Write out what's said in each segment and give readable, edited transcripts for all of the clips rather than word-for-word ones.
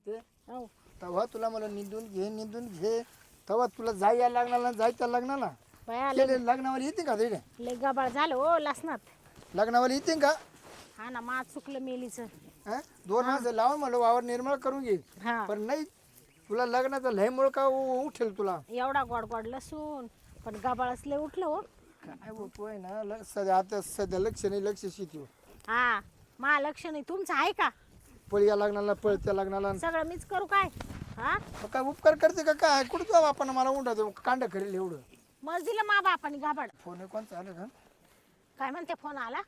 होते हो तेव्हा तुला मला निंदून घे तेव्हा तुला जायला लागणार ना जायचं लागणार ना बाया केले लग्नावाली येते का तिकडे लय गबाळ झालं हो लसणात लग्नावाली येते का हा ना मा चुकलं मेलीच हं? 2 माणसं लावून मला वावर निर्मळ करून घे हा पण नाही तुला लग्नाचा लय मुळ का उठेल तुला एवढा गोड गोड लसूण पण गबाळच लय उठलं हो काय होतोय ना सध्या आता सध्या लक्ष नाही लक्ष शेती हा मा लक्ष नाही तुमचं आहे का पळी या लग्नाला पळत्या लग्नाला सगळं मीच करू काय हा मग काय उपकार करते का काय कुठं जाऊ आपण मला उंडा देऊ कांड करेल एवढं मग दिलं मा बापाने गाबाड फोन कोणचा आलं का काय म्हणते फोन आला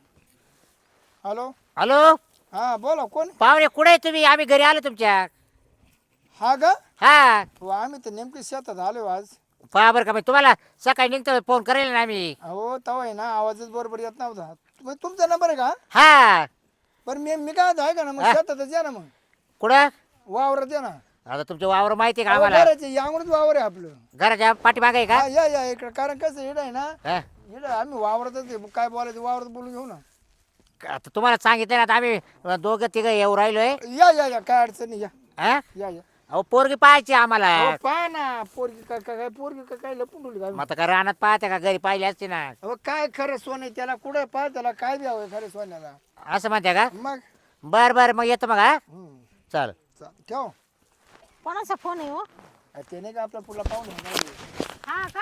हॅलो हॅलो हा बोला कोण पाहुणे कुठे आहे तुम्ही आम्ही घरी आलो तुमच्या हा गा हा हो आम्ही तर नेमकी शेतात आलो आज पहा बरं का मी तुम्हाला सकाळी निघतो फोन करेल ना आम्ही हो तवा आहे ना आवाजच बरोबर येत नव्हता तुमचा नंबर आहे का हा बरं मी काय आहे का ना मग हा? शेतातच या ना मग कुठं वावरात या ना आता तुमचं वावर माहिती आहे का अहो, आम्हाला घराचं यामुळेच वावर आहे आपलं घराच्या पाठीमागे आहे का हा या इकडे कारण कसं इकडे आहे ना हा? इकडे आम्ही वावरातच आहे. काय बोलायचं वावरात बोलून घेऊ ना आता तुम्हाला सांगितलं ना आता आम्ही दोघं तिघं येऊ राहिलोय या काय अडचण नाही या हा? या अहो पोरगी पाहायची आम्हाला अहो, पहा ना पोरगी काय पोरगी काय लपून ठेवली काय मग आता का रानात पाहते का घरी पाहिली असते ना अहो काय खरं सोनं आहे त्याला कुठं पहा त्याला काय द्यावं खरं सोन्याला असं म्हणते का मग बर बर मग येतो मग हा चल ठेव कोणाचा फोन आहे हो ते नाही का आपला पुढला पाहून हा का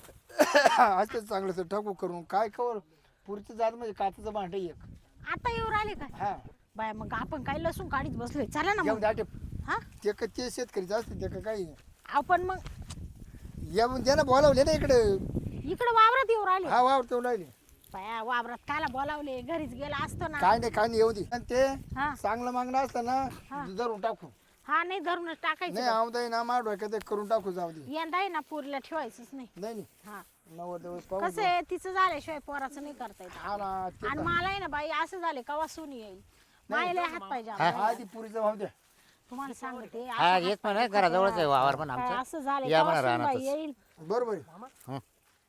असं चांगलं टाकू करून काय कवर पुढचं जात म्हणजे काचाचं भांड एक आता येऊ राहिले काय हा बाय मग आपण काही लसूण काढीत बसलोय चला ना येऊन मग दाटे हा ते शेतकरी असते ते काही आपण मग येऊन त्याला बोलावले ना इकडे इकडे वावरात येऊ राहिले हा वावर तेवढं राहिले बाया वावरात कायला बोलावले घरीच गेला असतो ना काय नाही येऊ दे आणि ते हा चांगलं मागणं असतं ना हा. धरून टाकू हा नाही धरूनच टाकायचं नाही आवदाई ना मार डोक्यात एक करून टाकू जाऊ दे यंदा आहे ना पुरीला ठेवायचंच नाही नाही हा 90 दिवस पाहू कसं आहे तिचं झाल्याशिवाय पोराचं नाही करता येत हा ना ते आणि मला आहे ना बाई असं झाले कवा सुनी येईल मायला हात पाहिजे हा. आम्हाला. आधी पुरीचा भाव द्या तुम्हाला सांगते हा असं येत म्हणा घराजवळच आहे वावर पण काय आमचं असं झालं या कवा म्हणा सुनबाई रानातच. येईल बरोबर आहे.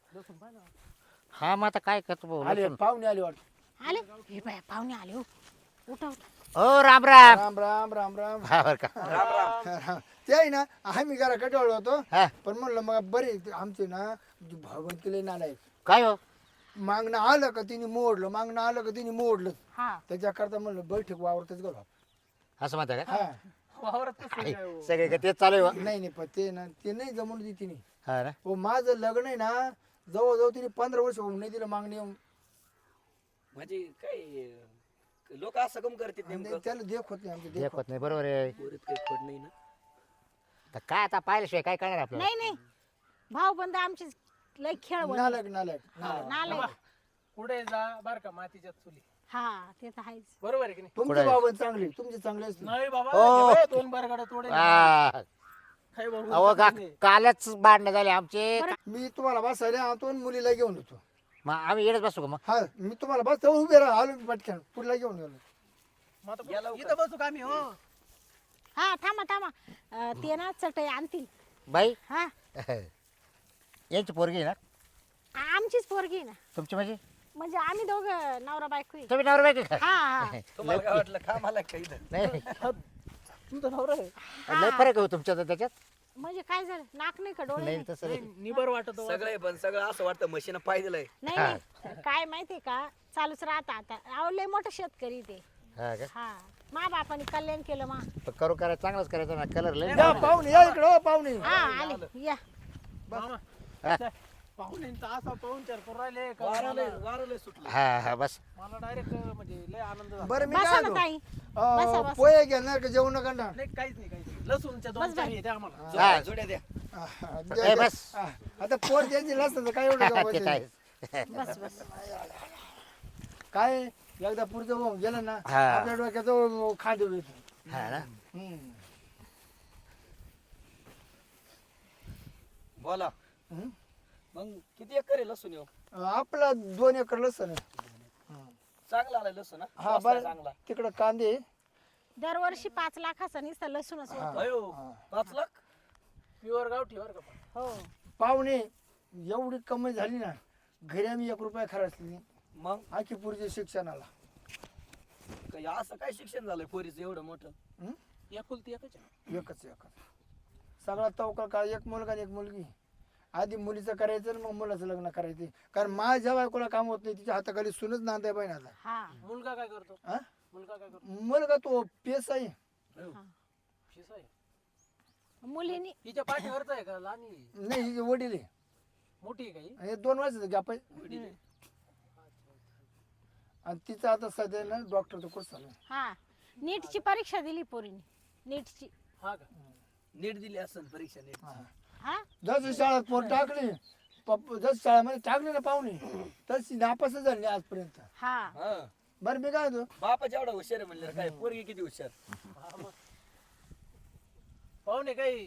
हा मग आता काय करतो भाऊ आले लसूण. पाहुणे आले वाटत आले हे बाया पाहुणे आले हो उठा उठा. हो राम राम राम राम राम राम हा बरं का ते आहे ना आम्ही घरा कटावलो होतो हा पण म्हणलं मग बरे आमचे ना भावंतीले नालायक काय हो मागणं आलं का तिने मोडलं मागणं आलं का तिने मोडलं हा त्याच्याकरता म्हणलं बैठक वावरतच गेलो असं म्हणता का हा काय? सगळे का तेच चालू आहे हो? नाही पण ते ना ते नाही जमून दी तिने हा ना हो माझं लग्न आहे ना जवळजवळ तिने 15 वर्ष होऊन नाही दिलं मागणी येऊन म्हणजे काय लोक असं कम करतात नेमकं त्याला देख होत नाही आमचं देख देखत नाही बरोबर आहे पोरीत काही खोड नाही ना आता काय आता पाहिल्याशिवाय काय करणार आपल्याला नाही नाही भाऊ बंद आमची लय खेळ बनले. नालायक नालायक नालायक पुढे जा बर का मातीच्या चुली हा ते तर आहेच बरोबर आहे की नाही तुमचे बाबा चांगले तुमचे चांगले असतील नाही बाबा हो. हे बघ, दोन बरगड तोडे हा. काय बाबू अहो का कालच भांडणं झाले आमचे मी तुम्हाला बसायला आणतो आणि मुलीला घेऊन येतो मग आम्ही येडच बसू का मग हा मी तुम्हाला बस तेव्हा उभे राहा आलो मी पटकन पुढला घेऊन गेलो मग आता इथं बसू का आम्ही हो हा थांबा थांबा ते ना चटई आणतील बाई हा यांची पोरगी आहे ना आमचीच पोरगी आहे ना तुमची म्हणजे आम्ही दोघं नवरा बायको आहे. तुम्ही नवरा बायको का हा हा तुम्हाला काय वाटलं का मला काही नाही तुमचं नवरा आहे लय फरक आहे हो तुमच्या तर त्याच्यात म्हणजे काय झालं नाक नाही का डोळे नाही नाही? तसं नाही. निबर वाटत हो. सगळे पण सगळं असं वाटतं मशीन पाय दिलंय नाही नाही काय माहितीये का चालूच राहता आता अहो लय मोठं शेतकरी ते हा का हा मा बापाने कल्याण केलं मा पण करू करायचं चांगलंच करायचं ना कलर लय या पाहुणे या इकडे हो पाहुणे हा आले या मामा हा. पाहुण्यांचा असा पाहून चार करून राहिले का वारले सुटलं हा बस मला डायरेक्ट म्हणजे लय आनंद झाला बरं मी बसा काय ना म्हणतो? ताई बसा, बसा. पोहे घेणार का जेवण करणार नाही काहीच नाही काहीच नाही लसूणच्या दोन बस चार बाई. येते आम्हाला हा. जोड्या द्या ए, बस. आता पोर द्यायची नसतं तर काय एवढं ते गमवायचं? काय बस बस काय एकदा पुढचं होऊन गेलं ना हा. आपल्या डोक्याचं खांदे येतो हा ना बोला हम्म. मग किती एकर आहे लसूण येऊ आपला 2 एकर लसूण आहे. चांगला आलाय लसूण हा हा बरं चांगला तिकडं कांदे दरवर्षी 5 लाखाचा नुसता लसूणच होतो. अयो 5 लाख प्युअर गावठी बरं का पण. हो पाहुणे एवढी कमाई झाली ना घरी आम्ही 1 रुपया खर्चली मग आखी पुरीच्या शिक्षणाला काही असं काय शिक्षण झालंय पोरीचं एवढं मोठं हं? एकुलती एकच आहे. एकच सगळा तवकल का एक मुलगा आणि एक मुलगी. आधी मुलीचं करायचं आणि मग मुलाचं लग्न करायचं. कारण माझ्या बायकोला काम होत नाही, तिच्या हाताखाली सुनच नांदाय पाहिजे आता. हा मुलगा काय करतो? हा? मुलगा काय करतो? मुलगा तो पेस आहे. शिसा आहे. मुलीनी हिच्या पाठीवरच आहे का लहान आहे? नाही हिचे वडील आहे. मोठी आहे काही? हे 2 वर्षाचं गॅप आहे. आणि तिचं आता सध्या ना डॉक्टरचा कोर्स चालू आहे. हा नीटची परीक्षा दिली पोरीने. नीटची. हा का? नीट दिली असेल परीक्षा नीट. हा जशी शाळेत पोर टाकली, जशी शाळेमध्ये टाकली ना पाहुणे, तशी नापासच झाली आजपर्यंत. हा हा बरं मी काय होतो, बापाच्या एवढा हुशार आहे म्हणलं काय पोरगी किती हुशार. हा मग. पाहुणे काही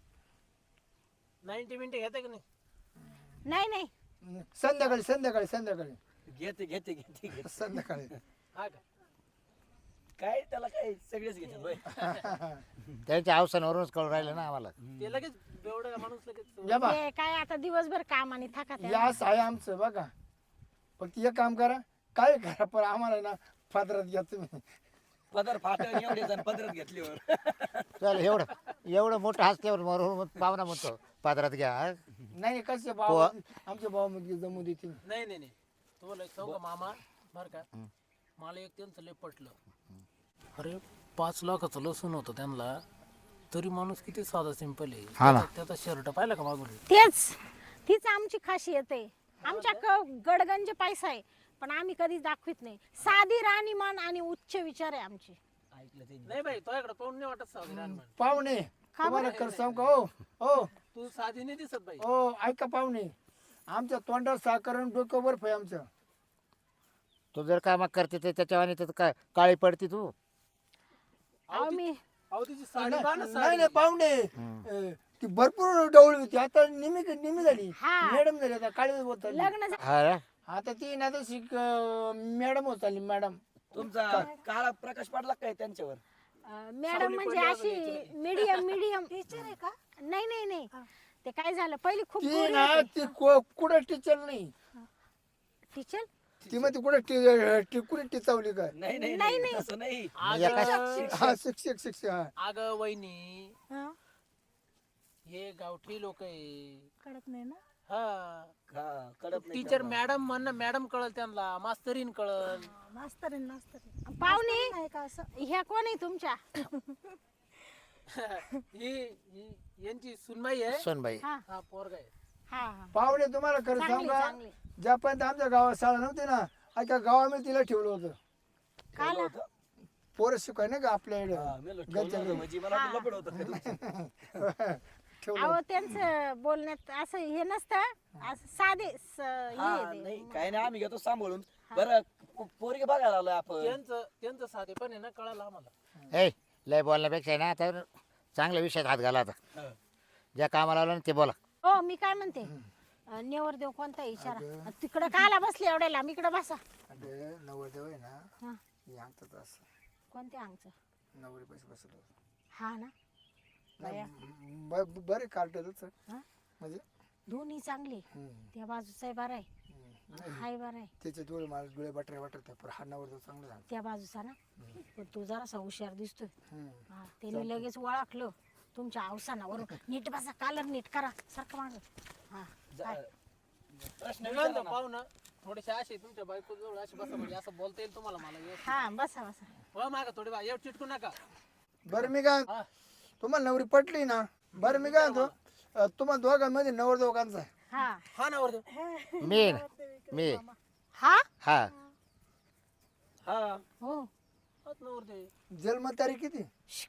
90 मिनिटं घेते का नाही? नाही नाही संध्याकाळी संध्याकाळी संध्याकाळी घेते घेते घेते घेते. संध्याकाळी हा का? काय त्याला काय सगळेच घेते बाई. त्यांच्या अवसरावरूनच कळून राहिलं ना आम्हाला. ते लगेच बेवडा माणूस लगेच. या बा ते काय आता दिवसभर काम आणि थका या असं आहे आमचं बघा. फक्त एक काम करा, काय करा, पण आम्हाला ना फादरात घ्या तुम्ही. पदर फाटून एवढे जण पदरात घेतल्यावर. चल एवढं मोठं हसल्यावर मरून पाहुणा म्हणतो पादरात घ्या. हा? नाही कसे भाऊ, आमचे भाऊ म्हणजे जमू देतील. नाही नाही नाही, तुम्हाला एक सांगू का मामा बर का, मला एक त्यांचं लय पटलं. अरे 5 लाखाचं लसूण होतं त्यांना, तरी माणूस किती साधा सिंपल आहे. हा ना. त्याचा शर्ट पाहिला का मागून? तीच आमची खासियत आहे. आमच्या गडगंज पैसा आहे पण आम्ही कधीच दाखवित नाही. साधी राहणीमान आणि उच्च विचार आहे आमचे. ऐकलं ते नाही बाई, तुझ्याकडे पाहून नाही वाटत साधी रानमान. पाहुणे तुम्हाला कर सांग का, हो हो तू साधी नाही दिसत बाई. हो, ऐका पाहुणे, आमच्या तोंडावर साखर आणि डोकं बर्फ आहे आमचं. तू जर कामा करते तर त्याच्यावानी तर काय काळी पडती तू. अहो मी अहो तिची साडी पहा ना, नाही साडी. नाही पाहुणे, ती भरपूर डवळी होती, आता निमी झाली, हा. मॅडम झाली, आता काळी होत चालली. लग्न हा ना? आता ती ना तशी मॅडम होत चालली मॅडम. तुमचा काळा प्रकाश पडला काय त्यांच्यावर. मॅडम म्हणजे अशी मीडियम टीचर आहे का? नाही नाही नाही, ते काय झालं पहिली खूप ती गोरी ना होती. ती कुठं टीचर नाही, टीचर ती मग ती कुठे टिचावली काय. नाही नाही नाही, नाही नाही. तसं नाही. हा शिक्षक हा. अगं वहिनी, हा, हे गावठी लोक आहे. कळत नाही ना. हा हा कळत नाही टीचर त्यांना. मॅडम म्हण, मॅडम कळल त्यांना, मास्तरीन कळल. मास्तरीन पाहुणे ह्या कोण आहे तुमच्या? यांची सुनबाई आहे. सोनबाई. हा हा पोरगा आहे. हा हा पाहुणे तुम्हाला खरं चांगली सांगा, चांगली. ज्यापर्यंत आमच्या गावात शाळा नव्हती ना, अख्या गावामध्ये तिला ठेवलं होतं. काल पोरं शिकाय ना का आपल्या हा, मी म्हणलं ठेवलं होतं म्हणजे मला वाटलं लफडं होतं खरं. ठेवलं. अहो त्यांचं बोलण्यात असं हे नसतं, असं साधे हा नाही काय नाही आम्ही घेतो सांभाळून. बरं पोरगी बघायला आलोय आपण. त्यांचं साधे पण आहे ना, कळालं आम्हाला. ए लय बोलण्यापेक्षा आहे ना आता चांगल्या विषयात हात घाला आता. हा. ज्या कामाला लावलं ना ते बोला. हो मी काय म्हणते, नेवरदेव कोणता आहे विचारा. तिकडं काला बसले एवढ्या लांब, इकडं बसा. अरे नवरदेव आहे ना, हा यांचं असं कोणत्या अंगचं? नवरी पैसे बसलो. हा ना. बाया. बरे कार्टच हा? म्हणजे दोन्ही चांगली. त्या बाजूचा बरा आहे, हाय बरा आहे. त्याचे डोळे मला डोळे बटरे वाटत, पण हा नवरदेव चांगला झाला. त्या बाजूचा ना, पण तू जरासा हुशार दिसतोय. हा त्यांनी लगेच ओळखलं तुमच्या अवसानावरून. नीट बसा, कालर नीट करा, सारखं माग. हा काय? प्रश्न मी विचारा म्हणतो ना. पाहुणं थोडेसे असे तुमच्या बायको जवळ असे बसा, म्हणजे असं बोलता येईल तुम्हाला. मला व्यवस्थित. हा बसा बसा. हो मागा थोडी बा, एवढं चिटकू नका. बरं मी काय, हा. तुम्हाला नवरी पटली ना. बरं मी काय म्हणतो, तुम्हाला दोघांमध्ये नवरदेवकांचा आहे. हा हा ना वरदेव. मी हा हा हा हो. हाच ना वरदेव. जन्मतारीख किती?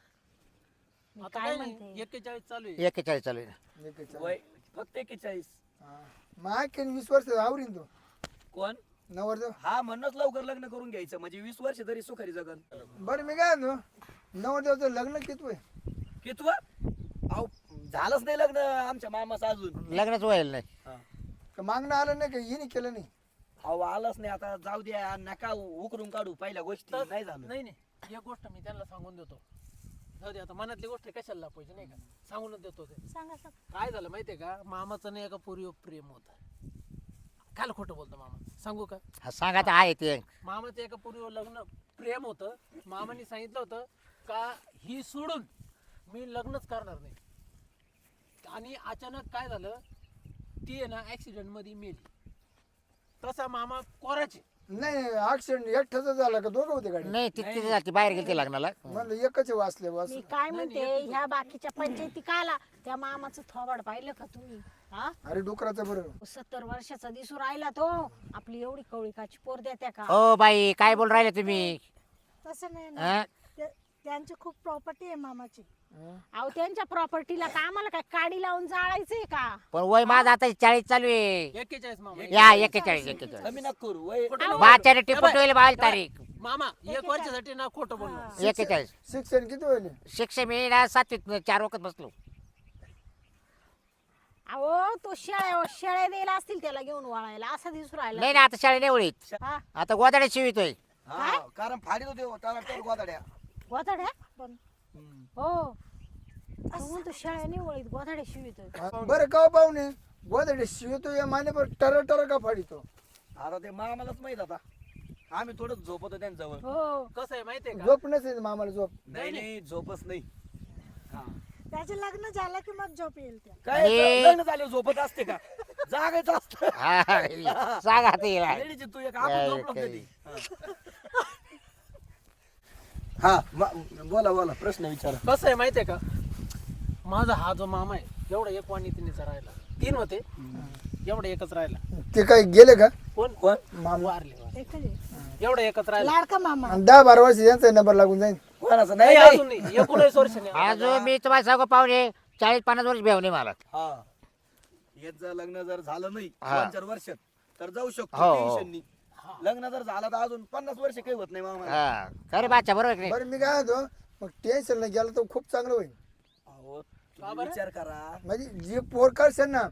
मी आता काय काय नाही, म्हणते, 41 चालू आहे. 41 चालू आहे ना. वय फक्त 41. माय 20 वर्ष आवरीन तो कोण? नवरदेव. हा म्हणूनच लवकर लग्न करून घ्यायचं म्हणजे 20 वर्ष तरी सुखारी जगन. बरं मी काय म्हणतो, नवरदेवचं लग्न किती वय? कितवा? अहो झालंच नाही लग्न आमच्या मामाचं अजून. लग्नच व्हायला नाही. हा. का मागणं आलं नाही का, हिने केलं नाही? अहो आलंच नाही, आता जाऊ द्या, नका उकरून काढू पहिल्या गोष्टी. तर- नाही झालं. नाही नाही, एक गोष्ट मी त्यांना सांगून देतो. जाऊ दे आता, मनातली गोष्ट कशाला लापायची नाही का, सांगूनच देतो ते. सांगा सांगा. काय झालं माहितीये का, मामाचं नाही एका पोरीवर प्रेम होतं. काल खोटं बोलतो मामा, सांगू का? हा सांगा आता आहे ते. मामाचं एका पोरीवर लग्न प्रेम होतं. मामाने सांगितलं होतं का ही सोडून मी लग्नच करणार नाही. आणि अचानक काय झालं, ती आहे ना ऍक्सिडेंट मध्ये मेली. तसा मामा कोराचे. नाही ऍक्सिडेंट एकट्याच झाला का दोघं होते गाडी? नाही ती तिथे जाते बाहेर गेली लग्नाला. म्हणलं एकच वाचले वाच. मी काय म्हणते, ह्या बाकीच्या पंचायती काला त्या मामाचं थोबाड पाहिलं का तुम्ही? हा, अरे डुकराचं बरं 70 वर्षाचा दिसू राहिला तो. आपली एवढी कवळीकाची पोर देत्या का? ओ बाई काय बोल राहिले तुम्ही? तसं नाही ना, हा? त्यांची खूप प्रॉपर्टी आहे मामाची. अहो त्यांच्या प्रॉपर्टीला का आम्हाला काय काडी लावून जाळायचंय का? पण वय माझं आता 40 चालू आहे. 41 मामा. या 41. कमी नका करू वय. बाच्याने टिपून ठेवले बावीस तारीख. मामा 1 वर्षासाठी ना खोटं बोललो. 41. शिक्षण किती होईल? शिक्षण मी ना 7वीत 4 वखत बसलो. अहो तो शेळ्या द्यायला असतील त्याला घेऊन वळायला, असा दिसू राहिला. नाही ना आता शाळे नाही ओळीत. हा, आता गोदाड्या शिवितोय. हा, कारण फाडीत होते त्याला तर गोदाड्या. गोधड्या पण हो, तो म्हणतो शेळ्या नाही वळीत, गोधड्या शिवितोय. बरं का पाहुणे, गोदडे शिवतो या माने पर टर का फाडितो? आता ते मामालाच माहित आता. आम्ही थोडं झोपतो त्यांच्याजवळ. हो, कसं आहे माहितीये का, झोप नसेल मामाला झोप. नाही झोपच नाही. हा. त्याचे लग्न झालं की मग झोप येईल त्या. काय आणि- लग्न झाले झोपत असते का? जागायचं असतं. हा, सांगा आता हिला. लेडीची तू एक आपण झोपलो कधी. हा बोला प्रश्न विचारा. कसं आहे माहितीये का, माझा हा जो मामा आहे एवढा एक वाणी तिनेचा राहिला. 3 होते, एवढा एकच राहिला. ते काय गेले का कोण कोण? वारले वारले. एकच आहे. एवढा एकच राहिला. लाडका मामा. आणि 10-12 वर्ष यांचा नंबर लागून जाईल. कोणाचं नाही नाही अजून नाही, 19 वर्ष नाही. अजून मी तुम्हाला सांगू पाहुणे 40-50 वर्ष भेवणे मला. हा. याचं लग्न जर झालं नाही हा. 2-4 वर्षात तर जाऊ शकतो. हो, हो. टेन्शन नाही. लग्न जर झालं तर अजून 50 वर्ष काही होत नाही मामा. हा खरे बाच्या बरोबर की नाही? बरं मी काय होतो मग टेन्शन नाही गेलं तर खूप चांगलं होईल. अहो तुम्ही विचार करा. म्हणजे जी पोर करशील ना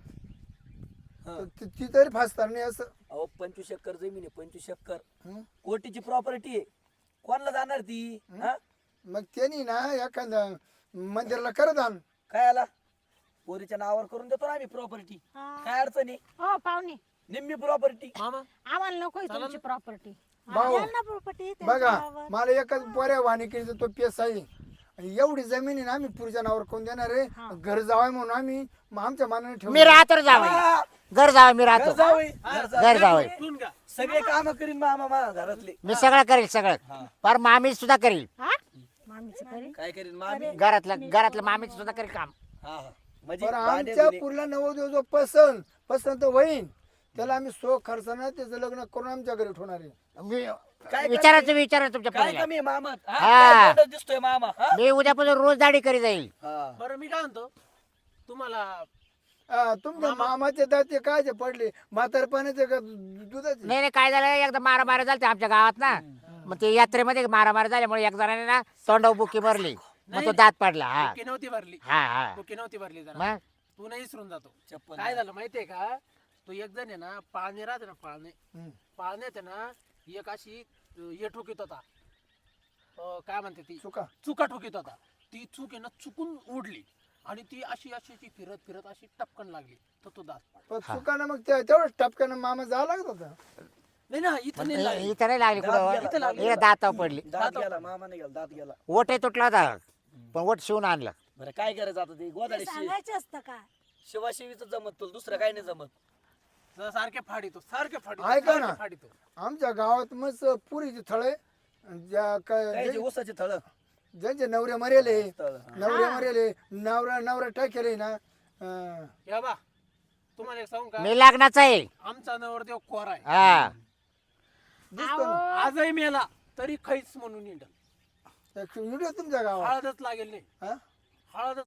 हा. तर ती तरी फासणार नाही असं. अहो 25 एकर जमीन आहे. 25 एकर हं? कोटीची प्रॉपर्टी आहे. कोणाला जाणार ती? हा? मग त्यांनी ना एखाद्या मंदिराला करत आण. काय आला पोरीच्या नावावर करून देतो ना आम्ही प्रॉपर्टी. काय अडचण आहे? हो पाहुणे, निम्मी प्रॉपर्टी. मामा आम्हाला नकोय तुमची प्रॉपर्टी. भाऊ यांना प्रॉपर्टी बघा मला एकच पोऱ्या वाणिकीचा तो पेस आहे आणि एवढी जमीन आहे ना आम्ही पुढच्या नावावर कोण देणार आहे? घर जावाय म्हणून आम्ही मग आमच्या मानाने ठेवू. मी राहतो रे जावई. घर जावं मी राहतो. घर जावई. ठेवून घ्या. सगळे काम करीन मामा घरातले. मी सगळं करेल सगळं. पर मामी सुद्धा करील. हा, मामीचं करेल. काय करीन मामी? घरातलं मामी सुद्धा करेल काम. हा म्हणजे बरं भांडे आमच्या धुणे. पुरला नवोदय जो पसंत होईन त्याला आम्ही खर्चानं त्याचं लग्न करून आमच्या घरी ठेवणार आहे. मी काय विचारा तुमच्या काय पोरीला. कमी आहे मामा? हा, हा. काय गोंधळ दिसतोय मामा? हा? मी उद्यापासून रोज दाढी करी जाईल. हा. बरं मी काय म्हणतो तुम्हाला, तुमच्या मामाचे दाते काय जे पडले म्हातारपणाचे का दुधाचे? नाही काय झालं एकदा मारामारी झाली आमच्या गावात ना. मग ते यात्रेमध्ये मारामारी झाल्यामुळे एक जणाने ना तोंडावर बुकी भरली. मग तो दात पडला. हा बुकी नव्हती भरली. हा बुकी नव्हती भरली जरा. मग तू नाही विसरून जातो. चप्पल काय झालं माहितीये का, तो एक जण आहे ना पाळणे राहते ना पाळणे, हम्म. पाळण्यात आहे ना एक अशी हे ठोकीत होता. काय म्हणते ती, चुका ठोकीत होता. ती चूक आहे ना चुकून उडली आणि ती अशी अशी अशी फिरत फिरत अशी टपकन लागली तर तो दात पडला. पण चुकानं मग तेवढंच टपक्यानं मामा जावं लागत होता. नाही ना इथं नाही लागली. इथं नाही लागली दात गेला, कुठं दात इकडे दातावर पडली. दात गेला मामा नाही गेला दात गेला. ओटे तुटला होता पण ओट शिवून आणलं. बरं काय करायचं आता ते गोदाडे सांगायचं असतं का? शिवाशिवीच जमत तुला दुसरं काय नाही जमत. सारखे फाडितो ऐका ना. फाडितो. आमच्या गावात मस्त पुरीचे थळे ज्या काय काय जे ऊसाचे थळ ज्यांचे नवरे मरेले तळ. नवरा टाकेले ना या बा तुम्हाला एक सांगू का, मी लग्नाचा आहे. आमचा नवरदेव कोरा आहे. हा दिसतो ना आजही मेला तरी खैच म्हणून इंड व्हिडिओ तुमच्या गावात हळदच लागेल नाही. हा? हळदच